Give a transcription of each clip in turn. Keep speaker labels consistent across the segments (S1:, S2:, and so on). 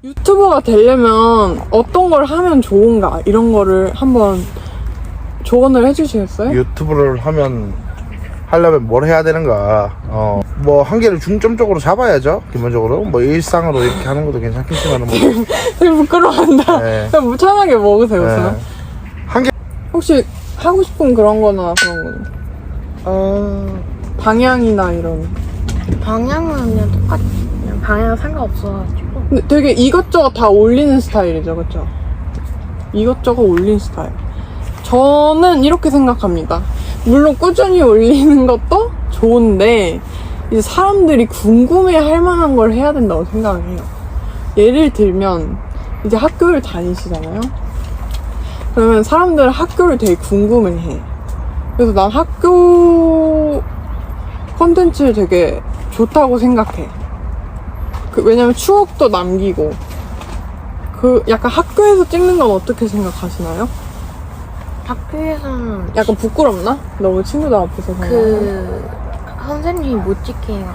S1: 유튜버가 되려면 어떤 걸 하면 좋은가 이런 거를 한번 조언을 해주시겠어요?
S2: 유튜브를 하려면 뭘 해야 되는가. 뭐 한 개를 중점적으로 잡아야죠. 기본적으로 뭐 일상으로 이렇게 하는 것도 괜찮겠지만 뭐
S1: 되게 부끄러워한다.
S2: 네.
S1: 그냥 무참하게 먹으세요.
S2: 네. 한 개.
S1: 혹시 하고 싶은 그런 거나 그런 거는? 방향이나 이런.
S3: 방향은 그냥 똑같이 그냥 방향 상관없어가지고.
S1: 근데 되게 이것저것 다 올리는 스타일이죠, 그쵸? 이것저것 올린 스타일. 저는 이렇게 생각합니다. 물론 꾸준히 올리는 것도 좋은데 이제 사람들이 궁금해 할 만한 걸 해야 된다고 생각을 해요. 예를 들면 이제 학교를 다니시잖아요. 그러면 사람들은 학교를 되게 궁금해 해. 그래서 난 학교 콘텐츠를 되게 좋다고 생각해. 왜냐면 추억도 남기고. 약간 학교에서 찍는 건 어떻게 생각하시나요?
S3: 학교에서는
S1: 약간 부끄럽나? 너무 친구들 앞에서
S3: 선생님이 못 찍게 해요.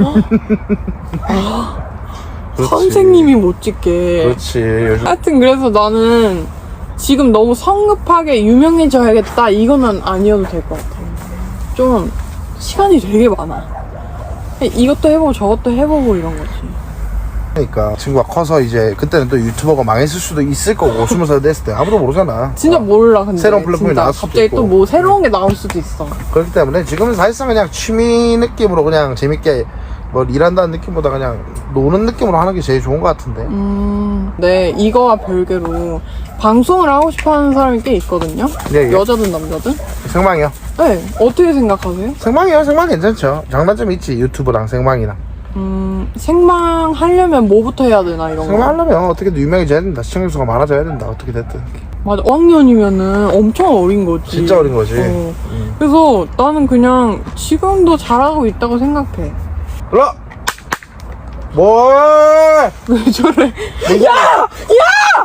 S1: 선생님이 못 찍게.
S2: 그렇지. 요즘
S1: 하여튼 그래서 나는 지금 너무 성급하게 유명해져야겠다 이거는 아니어도 될 것 같아. 좀 시간이 되게 많아. 이것도 해보고 저것도 해보고 이런 거지.
S2: 그러니까 친구가 커서 이제 그때는 또 유튜버가 망했을 수도 있을 거고 20살 됐을 때 아무도 모르잖아.
S1: 진짜 몰라. 근데
S2: 새로운 플랫폼이
S1: 진짜
S2: 나올 수도
S1: 갑자기
S2: 있고.
S1: 또 뭐 새로운 게 나올 수도 있어.
S2: 그렇기 때문에 지금은 사실상 그냥 취미 느낌으로 그냥 재밌게 뭐 일한다는 느낌보다 그냥 노는 느낌으로 하는 게 제일 좋은 것 같은데.
S1: 네, 이거와 별개로 방송을 하고 싶어 하는 사람이 꽤 있거든요.
S2: 예.
S1: 여자든 남자든.
S2: 생방이요?
S1: 네, 어떻게 생각하세요?
S2: 생방이요. 생방 괜찮죠. 장단점이 있지. 유튜브랑 생방이랑.
S1: 생방 하려면 뭐부터 해야 되나 이런 거.
S2: 생방 하려면 어떻게든 유명해져야 된다. 시청자 수가 많아져야 된다. 어떻게 됐든.
S1: 맞아, 5학년이면은 엄청 어린 거지.
S2: 진짜 어린 거지.
S1: 그래서 나는 그냥 지금도 잘하고 있다고 생각해.
S2: 일로 뭐?
S1: 왜 저래? 야! 야!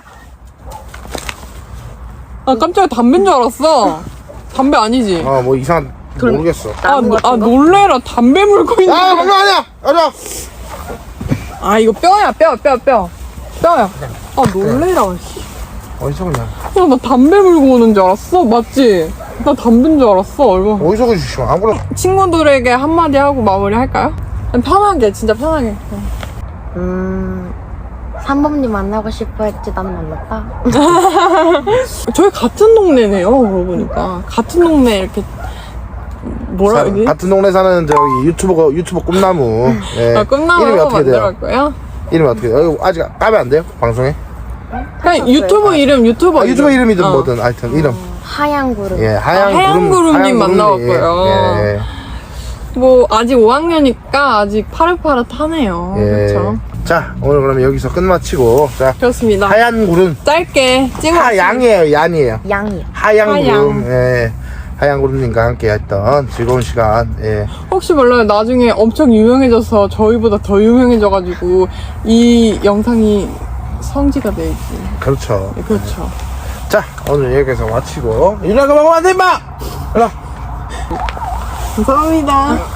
S1: 아, 깜짝이야. 담배인 줄 알았어. 담배 아니지?
S2: 뭐 이상 모르겠어.
S1: 놀래라. 담배 물고 있는
S2: 야, 그거 아니야. 가자.
S1: 아, 이거 뼈야. 뼈야. 아, 놀래라. 씨.
S2: 어디서 그냥?
S1: 야, 나 담배 물고 오는 줄 알았어. 맞지? 나 담배인 줄 알았어. 얼마.
S2: 어디서 그러시면 아무나.
S1: 친구들에게 한마디 하고 마무리 할까요? 편하게, 진짜 편하게.
S3: 3번님 만나고 싶어 했지 난 만났다.
S1: 저희 같은 동네네요, 그러고 보니까. 같은 동네 이렇게, 뭐라 그러지?
S2: 같은 동네 사는 저기 유튜버 꿈나무. 예. 이름이
S1: 끝나고
S2: 어떻게 돼요?
S1: 만들어갈 거예요?
S2: 이름이 어떻게 돼요? 아직 까면 안 돼요? 방송에?
S1: 그냥 유튜브 이름, 유튜버
S2: 유튜버 이름이든
S1: 어.
S2: 뭐든 하여튼 이름.
S3: 하얀 구름.
S2: 예,
S1: 하얀구름님 만나봤고요.
S2: 예.
S1: 뭐 아직 5학년이니까 아직 파릇파릇하네요.
S2: 예.
S1: 그렇죠?
S2: 자, 오늘 그러면 여기서 끝마치고 자,
S1: 그렇습니다.
S2: 하얀 구름.
S1: 짧게 찍어.
S2: 하양이에요, 얀이에요.
S3: 양이요.
S2: 하얀
S1: 하양.
S2: 구름. 예. 하얀 구름님과 함께 했던 즐거운 시간. 예.
S1: 혹시 몰라요. 나중에 엄청 유명해져서 저희보다 더 유명해져가지고 이 영상이 성지가 될지.
S2: 그렇죠.
S1: 네, 그렇죠.
S2: 자, 오늘 여기서 마치고 일어나서 먹으면 안 돼, 임마! 일어나.
S1: 감사합니다.